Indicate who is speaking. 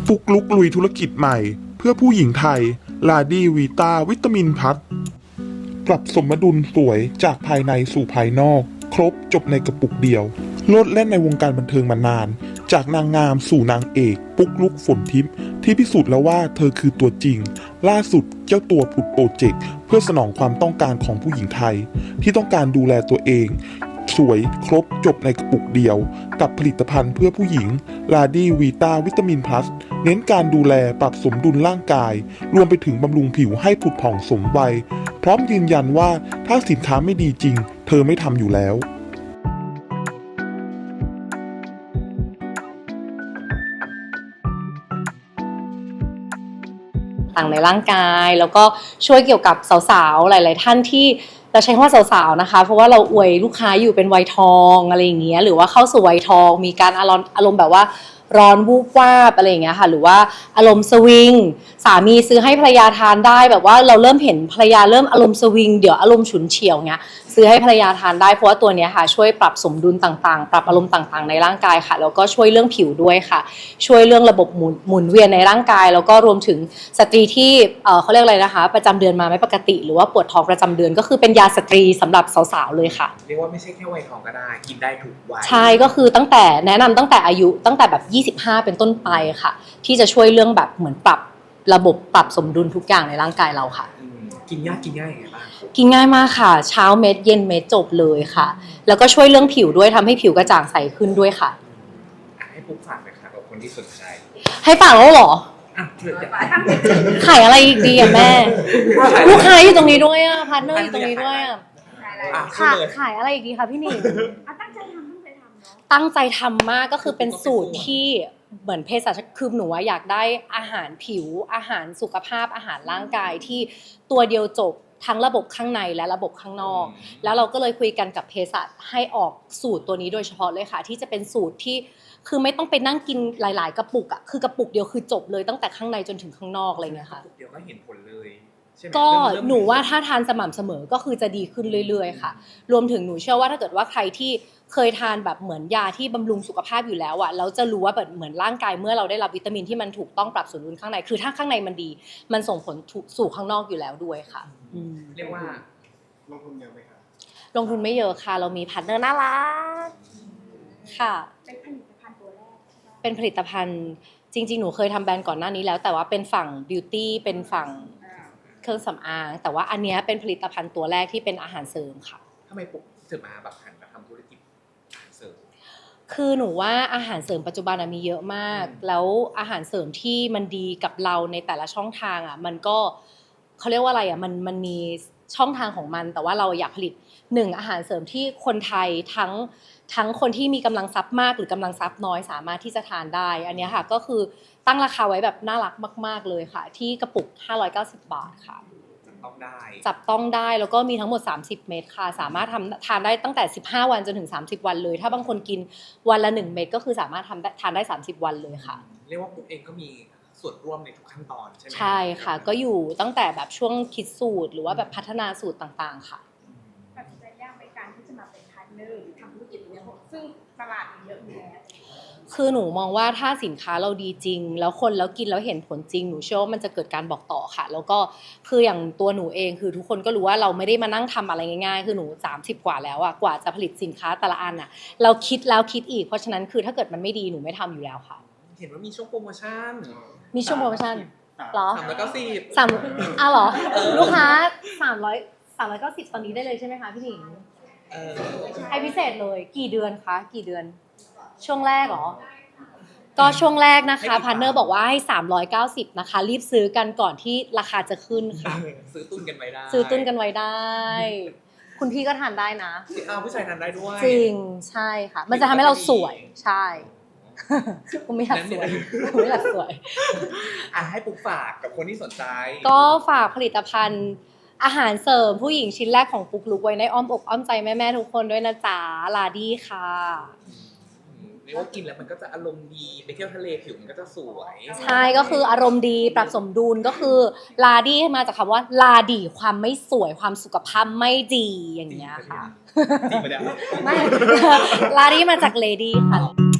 Speaker 1: ฟุกลุกลุยธุรกิจใหม่เพื่อผู้หญิงไทยลาดี้วีตาวิตามินพัทปรับสมดุลสวยจากภายในสู่ภายนอกครบจบในกระปุกเดียวโลดแล่นในวงการบันเทิงมานานจากนางงามสู่นางเอกปุ๊กลุกฝนทิพย์ที่พิสูจน์แล้วว่าเธอคือตัวจริงล่าสุดเจ้าตัวผุดโปรเจกต์เพื่อสนองความต้องการของผู้หญิงไทยที่ต้องการดูแลตัวเองสวยครบจบในกระปุกเดียวกับผลิตภัณฑ์เพื่อผู้หญิงลาดี้วีตาวิตามินพลัสเน้นการดูแลปรับสมดุลร่างกายรวมไปถึงบำรุงผิวให้ผุดผ่องสมวัยพร้อมยืนยันว่าถ้าสินค้าไม่ดีจริงเธอไม่ทำอยู่แล้ว
Speaker 2: ต่างในร่างกายแล้วก็ช่วยเกี่ยวกับสาวๆหลายๆท่านที่เราใช้คำว่าสาวๆนะคะเพราะว่าเราอวยลูกค้าอยู่เป็นวัยทองอะไรอย่างเงี้ยหรือว่าเข้าสู่วัยทองมีการอารมณ์แบบว่าร้อนวูบวาบอะไรอย่างเงี้ยค่ะหรือว่าอารมณ์สวิงสามีซื้อให้ภรรยาทานได้แบบว่าเราเริ่มเห็นภรรยาเริ่มอารมณ์สวิงเดี๋ยวอารมณ์ฉุนเฉียวเงี้ยซื้อให้ภรรยาทานได้เพราะว่าตัวเนี้ยค่ะช่วยปรับสมดุลต่างๆปรับอารมณ์ต่างๆในร่างกายค่ะแล้วก็ช่วยเรื่องผิวด้วยค่ะช่วยเรื่องระบบหมุนเวียนในร่างกายแล้วก็รวมถึงสตรีที่เขาเรียกอะไรนะคะประจำเดือนมาไม่ปกติหรือว่าปวดท้องประจำเดือนก็คือเป็นยาสตรีสำหรับสาวๆเลยค่ะ
Speaker 3: เรียกว่าไม่ใช่แค่วัยทองก็ได้กินได้ทุกวัย
Speaker 2: ใช่ก็คือตั้งแต่แนะนำตั้งแต่อายุตั้งแต่แบบ25เป็นต้นไปค่ะที่จะช่วยเรื่องแบบเหมือนปรับระบบปรับสมดุลทุกอย่างในร่างกายเราค่ะ
Speaker 3: กินง่ายยังไงบ้าง
Speaker 2: กินง่ายมากค่ะเช้าเม็ดเย็นเม็ดจบเลยค่ะแล้วก็ช่วยเรื่องผิวด้วยทำให้ผิวกระจ่างใสขึ้นด้วยค่ะ
Speaker 3: ให้ปุ๊กฝากหน่อยค่ะกับคนที่สนใจ
Speaker 2: ให้ฝากแล้วเหรอขายอะไรอีกดีอ่ะแม่ลูกค้าอยู่ตรงนี้ด้วยอ่ะพาร์ทเนอร์อยู่ตรงนี้ด้วยอ่ะขายอะไรอีกดีคะพี่หนิง
Speaker 4: ตั้งใจทำเนาะ
Speaker 2: ตั้งใจทำมากก็คือเป็นสูตรที่เหมือนเภสัชคือหนูว่าอยากได้อาหารผิวอาหารสุขภาพอาหารร่างกายที่ตัวเดียวจบทั้งระบบข้างในและระบบข้างนอกแล้วเราก็เลยคุยกันกับเภสัชให้ออกสูตรตัวนี้โดยเฉพาะเลยค่ะที่จะเป็นสูตรที่คือไม่ต้องไปนั่งกินหลายๆกระปุกอ่ะคือกระปุกเดียวคือจบเลยตั้งแต่ข้างในจนถึงข้างนอกอะไรเงี้ยค่ะ
Speaker 3: กระปุกเดียวก็เห็นผลเลย
Speaker 2: ก็หนูว่าถ้าทานสม่ำเสมอก็คือจะดีขึ้นเรื่อยๆค่ะรวมถึงหนูเชื่อว่าถ้าเกิดว่าใครที่เคยทานแบบเหมือนยาที่บำรุงสุขภาพอยู่แล้วอะแล้วจะรู้ว่าแบบเหมือนร่างกายเมื่อเราได้รับวิตามินที่มันถูกต้องปรับสมดุลข้างในคือถ้าข้างในมันดีมันส่งผลสู่ข้างนอกอยู่แล้วด้วยค่ะ
Speaker 3: เรียกว่า
Speaker 1: ลงทุนเยอะไหมคะ
Speaker 2: ลงทุนไม่เยอะค่ะเรามีพาร์ทเนอร์น่ารักค่ะ
Speaker 4: เป็นผลิตภัณฑ์ตัวแรก
Speaker 2: เป็นผลิตภัณฑ์จริงๆหนูเคยทำแบรนด์ก่อนหน้านี้แล้วแต่ว่าเป็นฝั่งบิวตี้เป็นฝั่งเครื่องสำอางแต่ว่าอันนี้เป็นผลิตภัณฑ์ตัวแรกที่เป็นอาหารเสริมค่ะ
Speaker 3: ทำไมปุ๊กถึงมาแบบหันมาทำธุรกิจอาหารเสริม
Speaker 2: คือหนูว่าอาหารเสริมปัจจุบันมีเยอะมากแล้วอาหารเสริมที่มันดีกับเราในแต่ละช่องทางอ่ะมันก็เขาเรียกว่าอะไรอ่ะมันมีช่องทางของมันแต่ว่าเราอยากผลิตอาหารเสริมที่คนไทยทั้งคนที่มีกำลังทรัพย์มากหรือกำลังทรัพย์น้อยสามารถที่จะทานได้อันนี้ค่ะก็คือตั้งราคาไว้แบบน่ารักมากๆเลยค่ะที่กระปุก590 บาทค่ะจับต้องได้แล้วก็มีทั้งหมด30เม็ดค่ะสามารถทานได้ตั้งแต่15วันจนถึง30วันเลยถ้าบางคนกินวันละ1เม็ดก็คือสามารถทานได้30วันเลยค่ะ
Speaker 3: เรียกว่าปุ๊กเองก็มีส่วนร่วมในทุกขั้นตอนใช่ไหม
Speaker 2: ใช่ค่ะก็อยู่ตั้งแต่แบบช่วงคิดสูตรหรือว่าแบบพัฒนาสูตรต่างๆค่ะ
Speaker 4: ตัดสินใจยากในการที่จะมาเป็นพาร์ทเนอร์หรือทำธุรกิจนี้ซึ่งตลาดมีเยอะอยู่แล้ว
Speaker 2: คือหนูมองว่าถ้าสินค้าเราดีจริงแล้วคนแล้วกินแล้วเห็นผลจริงหนูเชื่อว่ามันจะเกิดการบอกต่อค่ะแล้วก็คืออย่างตัวหนูเองคือทุกคนก็รู้ว่าเราไม่ได้มานั่งทำอะไรง่ายๆคือหนู30กว่าแล้วอะกว่าจะผลิตสินค้าแต่ละอันอะเราคิดแล้วคิดอีกเพราะฉะนั้นคือถ้าเกิดมันไม่ดีหนูไม่ทำอยู่แล้วค่ะ
Speaker 3: เห็นว่ามีช่วงโปรโมชั่น
Speaker 2: มีช่วงโปรโมชั่นเหรอ
Speaker 3: 390
Speaker 2: เหรอลูกค้า390ตอนนี้ได้เลยใช่ไหมคะพี่หนิงให้พิเศษเลยกี่เดือนคะกี่เดือนช่วงแรกเหรอก็ช่วงแรกนะคะพาร์ทเนอร์บอกว่าให้390นะคะรีบซื้อกันก่อนที่ราคาจะขึ้นค่ะ
Speaker 3: ซื้อตุ้นกันไว้ได้
Speaker 2: คุณพี่ก็ทานได้นะ
Speaker 3: ผู้ชายทานได้ด้วย
Speaker 2: จริงใช่ค่ะมันจะทำให้เราสวยใช่ผมไม่อยากสวย
Speaker 3: ให้ปุ๊กฝากกับคนที่สนใจ
Speaker 2: ก็ฝากผลิตภัณฑ์อาหารเสริมผู้หญิงชิ้นแรกของปุ๊กลุกไว้ในอ้อมอกอ้อมใจแม่ๆทุกคนด้วยนะจ๊ะลาดี้ค่ะ
Speaker 3: เรียกว่ากินแล้วมันก็จะอารมณ์ดีไปเที่ยวทะเลผิวมันก็จะสวย
Speaker 2: ใช่ก็คืออารมณ์ดีปรับสมดุลก็คือลาดี้มาจากคำว่าลาดีความไม่สวยความสุขภาพไม่ดีอย่างเงี้ยค่ะ
Speaker 3: จริงปะเนี่ย
Speaker 2: ไม่ลาดี้มาจากเลดี้ค่ะ